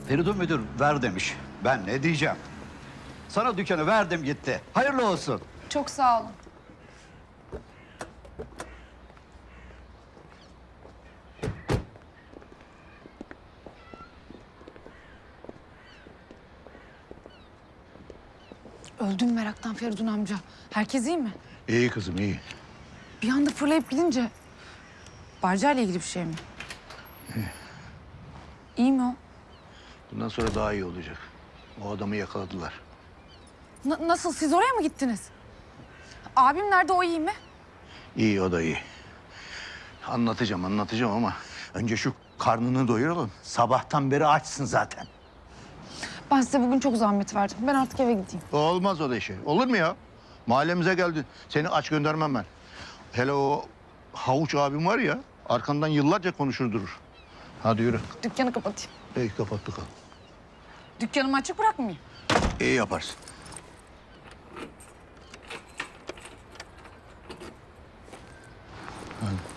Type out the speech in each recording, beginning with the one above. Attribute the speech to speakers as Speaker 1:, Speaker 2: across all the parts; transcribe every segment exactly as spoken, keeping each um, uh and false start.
Speaker 1: Feridun müdür ver demiş. Ben ne diyeceğim? Sana dükkanı verdim gitti. Hayırlı olsun.
Speaker 2: Çok sağ olun. Öldüm meraktan Feridun amca. Herkes iyi mi?
Speaker 3: İyi kızım iyi.
Speaker 2: Bir anda fırlayıp gidince... Barca ile ilgili bir şey mi?
Speaker 3: İyi.
Speaker 2: İyi mi o?
Speaker 3: Bundan sonra daha iyi olacak. O adamı yakaladılar.
Speaker 2: Na- nasıl? Siz oraya mı gittiniz? Abim nerede? O iyi mi?
Speaker 3: İyi o da iyi. Anlatacağım anlatacağım ama önce şu karnını doyuralım. Sabahtan beri açsın zaten.
Speaker 2: Ben size bugün çok zahmet verdim. Ben artık eve gideyim.
Speaker 3: Olmaz o da işi. Olur mu ya? Mahallemize geldin. Seni aç göndermem ben. Hele o havuç abim var ya, arkandan yıllarca konuşur durur. Hadi yürü.
Speaker 2: Dükkanı kapatayım.
Speaker 3: İyi kapattık.
Speaker 2: Dükkanımı açık bırakmayayım.
Speaker 3: İyi yaparsın. Hadi.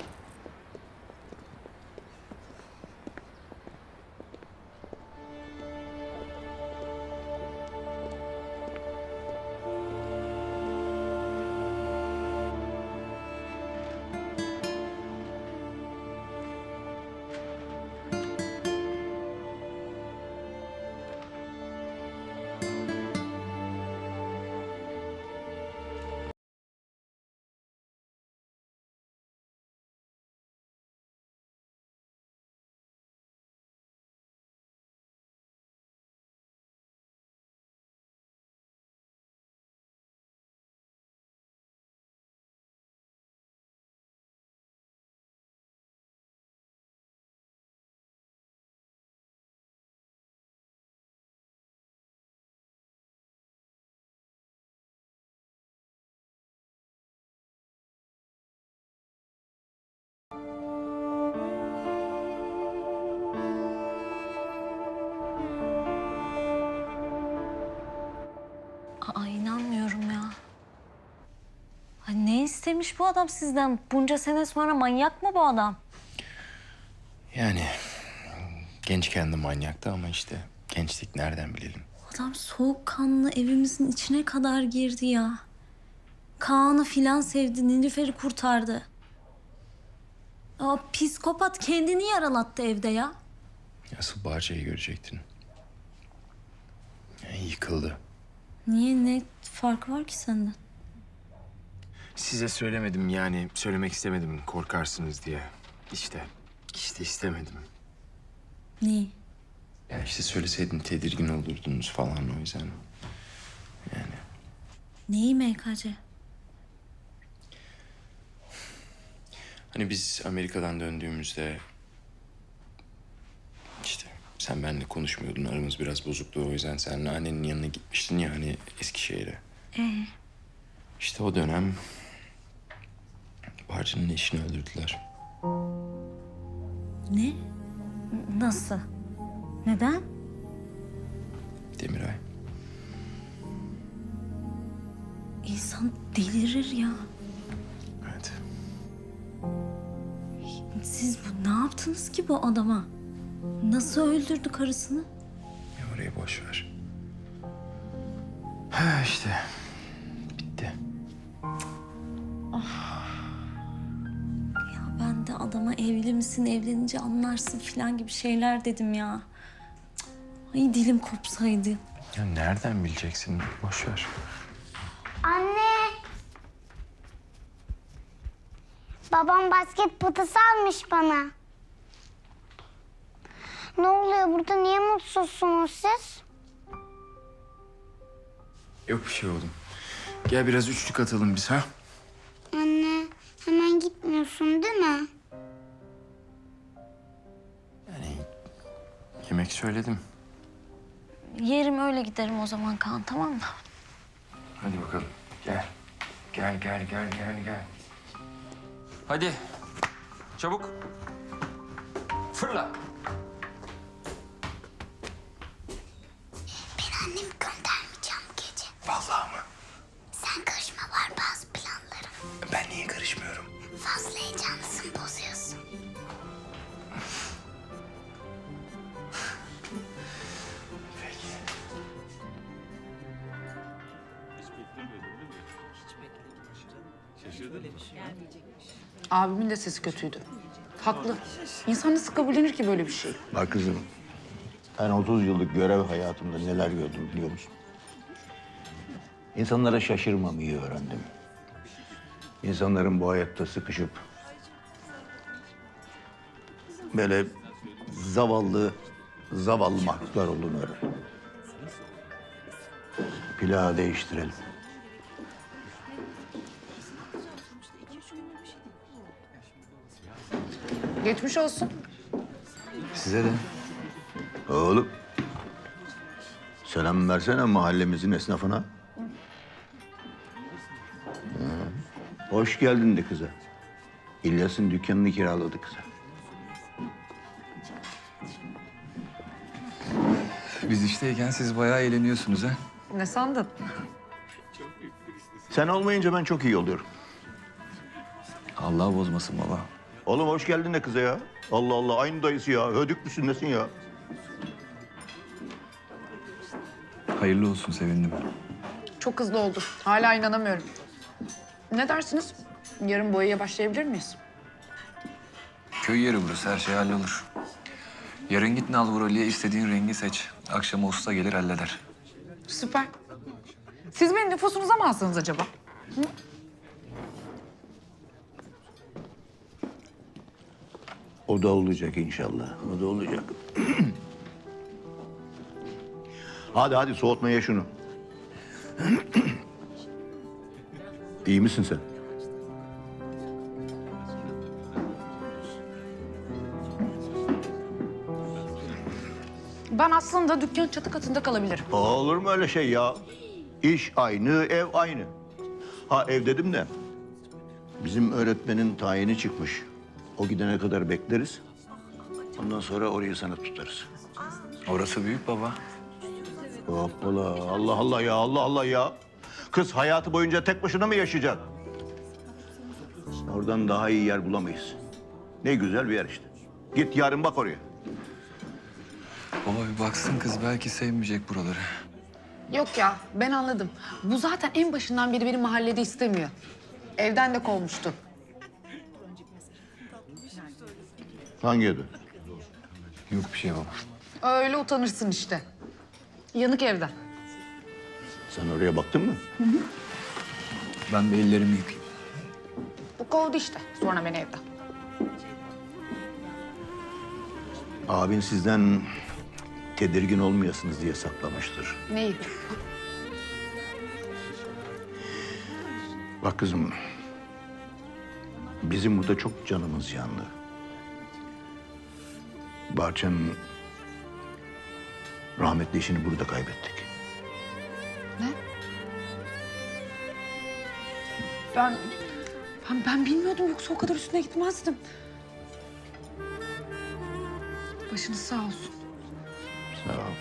Speaker 4: Aa, inanmıyorum ya. Ay, ne istemiş bu adam sizden? Bunca sene sonra manyak mı bu adam?
Speaker 5: Yani gençken de manyaktı ama işte gençlik nereden bilelim.
Speaker 4: Adam soğukkanlı evimizin içine kadar girdi ya. Kaan'ı filan sevdi, Nilüfer'i kurtardı. Aa, psikopat kendini yaralattı evde ya.
Speaker 5: Asıl Barca'yı görecektin. Yani yıkıldı.
Speaker 4: Niye, ne farkı var ki senden?
Speaker 5: Size söylemedim yani söylemek istemedim korkarsınız diye. İşte işte istemedim.
Speaker 4: Niye?
Speaker 5: Ya işte söyleseydin tedirgin olurdunuz falan o yüzden. Yani
Speaker 4: Neyi M K C?
Speaker 5: hani biz Amerika'dan döndüğümüzde işte sen benimle konuşmuyordun, aramız biraz bozuktu, o yüzden sen annenin yanına gitmiştin ya hani Eskişehir'e.
Speaker 4: Ee?
Speaker 5: İşte o dönem Barca'nın eşini öldürdüler.
Speaker 4: Ne? Nasıl? Neden?
Speaker 5: Demiray.
Speaker 4: İnsan delirir ya.
Speaker 5: Evet.
Speaker 4: Siz bu, ne yaptınız ki bu adama? Nasıl öldürdü karısını?
Speaker 5: Ya orayı boş ver. Ha işte. Bitti.
Speaker 4: Ya ben de adama evli misin, evlenince anlarsın falan gibi şeyler dedim ya. Cık, ay dilim kopsaydı.
Speaker 5: Ya nereden bileceksin? Boş ver.
Speaker 6: Anne. Babam basket potası almış bana. Ne oluyor burada? Niye mutsuzsunuz siz?
Speaker 5: Yok bir şey oğlum. Gel biraz üçlük atalım biz ha.
Speaker 6: Anne, hemen gitmiyorsun değil mi?
Speaker 5: Yani yemek söyledim.
Speaker 4: Yerim, öyle giderim o zaman Kaan, tamam mı?
Speaker 5: Hadi bakalım. Gel. Gel gel gel gel gel. Hadi. Çabuk. Fırla.
Speaker 6: Ben annemi göndermeyeceğim bu gece.
Speaker 5: Vallahi mı?
Speaker 6: Sen karışma, var bazı planlarım.
Speaker 5: Ben niye karışmıyorum?
Speaker 6: Fazla heyecanlısın, bozuyorsun.
Speaker 2: Abimin de sesi kötüydü. Haklı. İnsan nasıl kabullenir ki böyle bir şey?
Speaker 3: Bak kızım, ben otuz yıllık görev hayatımda neler gördüm biliyor musun? İnsanlara şaşırmamayı öğrendim. İnsanların bu hayatta sıkışıp böyle zavallı, zavallı mahluklar olduğunu öğrendim. Plağı değiştirelim.
Speaker 2: Geçmiş olsun.
Speaker 5: Size de.
Speaker 3: Oğlum, selam versene mahallemizin esnafına. Hı. Hoş geldin de kıza. İlyas'ın dükkanını kiraladı kıza.
Speaker 7: Biz işteyken siz bayağı eğleniyorsunuz ha.
Speaker 2: Ne sandın?
Speaker 3: Sen olmayınca ben çok iyi oluyorum.
Speaker 7: Allah bozmasın baba.
Speaker 3: Oğlum hoş geldin de kıza ya. Allah Allah, aynı dayısı ya. Hödük müsün nesin ya?
Speaker 7: Hayırlı olsun, sevindim.
Speaker 2: Çok hızlı oldu. Hala inanamıyorum. Ne dersiniz? Yarın boyaya başlayabilir miyiz?
Speaker 7: Köy yeri burası, her şey hallolur. Yarın git Nalbur Ali'ye istediğin rengi seç. Akşama usta gelir halleder.
Speaker 2: Süper. Siz beni nüfusunuza mı alsanız acaba?
Speaker 3: O da olacak inşallah. O da olacak. Hadi hadi soğutma ye şunu. İyi misin sen?
Speaker 2: Ben aslında dükkan çatı katında kalabilirim.
Speaker 3: Olur mu öyle şey ya? İş aynı, ev aynı. Ha ev dedim de bizim öğretmenin tayini çıkmış. O gidene kadar bekleriz. Ondan sonra orayı sana tutarız.
Speaker 7: Orası büyük baba.
Speaker 3: Hoppala, Allah Allah ya, Allah Allah ya. Kız hayatı boyunca tek başına mı yaşayacak? Oradan daha iyi yer bulamayız. Ne güzel bir yer işte. Git yarın bak oraya.
Speaker 7: Baba bir baksın kız, belki sevmeyecek buraları.
Speaker 2: Yok ya, ben anladım. Bu zaten en başından beri beni mahallede istemiyor. Evden de kovmuştu.
Speaker 3: Hangi evde?
Speaker 7: Yok bir şey baba.
Speaker 2: Öyle utanırsın işte. Yanık evden.
Speaker 3: Sen oraya baktın mı?
Speaker 7: Ben bir ellerimi yıkayayım.
Speaker 2: Bu kovdu işte. Sonra beni evden.
Speaker 3: Abin sizden tedirgin olmayasınız diye saklamıştır.
Speaker 2: Neyi?
Speaker 3: Bak kızım, bizim burada çok canımız yandı. Bahçe'nin rahmetli eşini burada kaybettik.
Speaker 2: Ne? Ben, ben, ben bilmiyordum. Yoksa o kadar üstüne gitmezdim. Başınız sağ olsun.
Speaker 3: Sağ ol.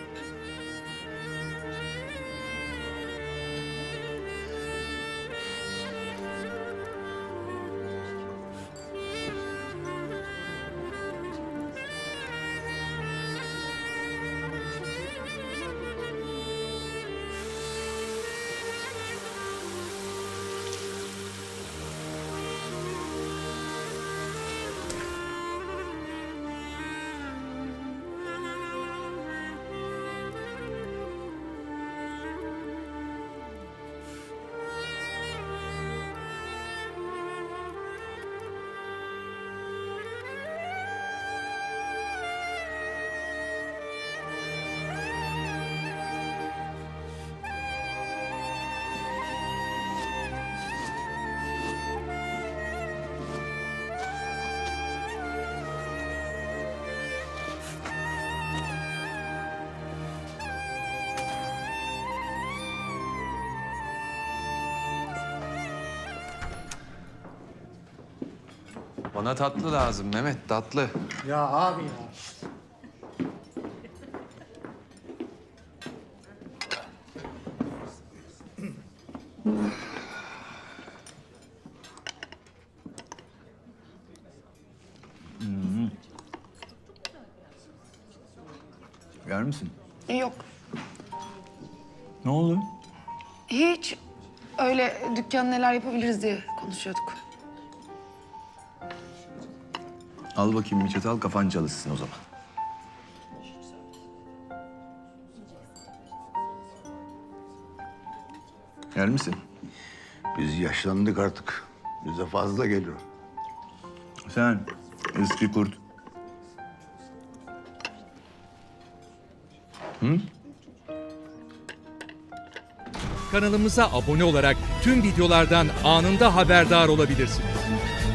Speaker 7: Bana tatlı lazım Mehmet, tatlı.
Speaker 8: Ya abi ya.
Speaker 7: Yer misin?
Speaker 2: Yok.
Speaker 7: Ne oldu?
Speaker 2: Hiç. Öyle dükkan neler yapabiliriz diye konuştuk. konuşuyorduk.
Speaker 5: Al bakayım bir çatal, kafan çalışsın o zaman. Yer misin?
Speaker 3: Biz yaşlandık artık. Bize fazla geliyor.
Speaker 5: Sen eski kurt.
Speaker 8: Kanalımıza abone olarak tüm videolardan anında haberdar olabilirsiniz.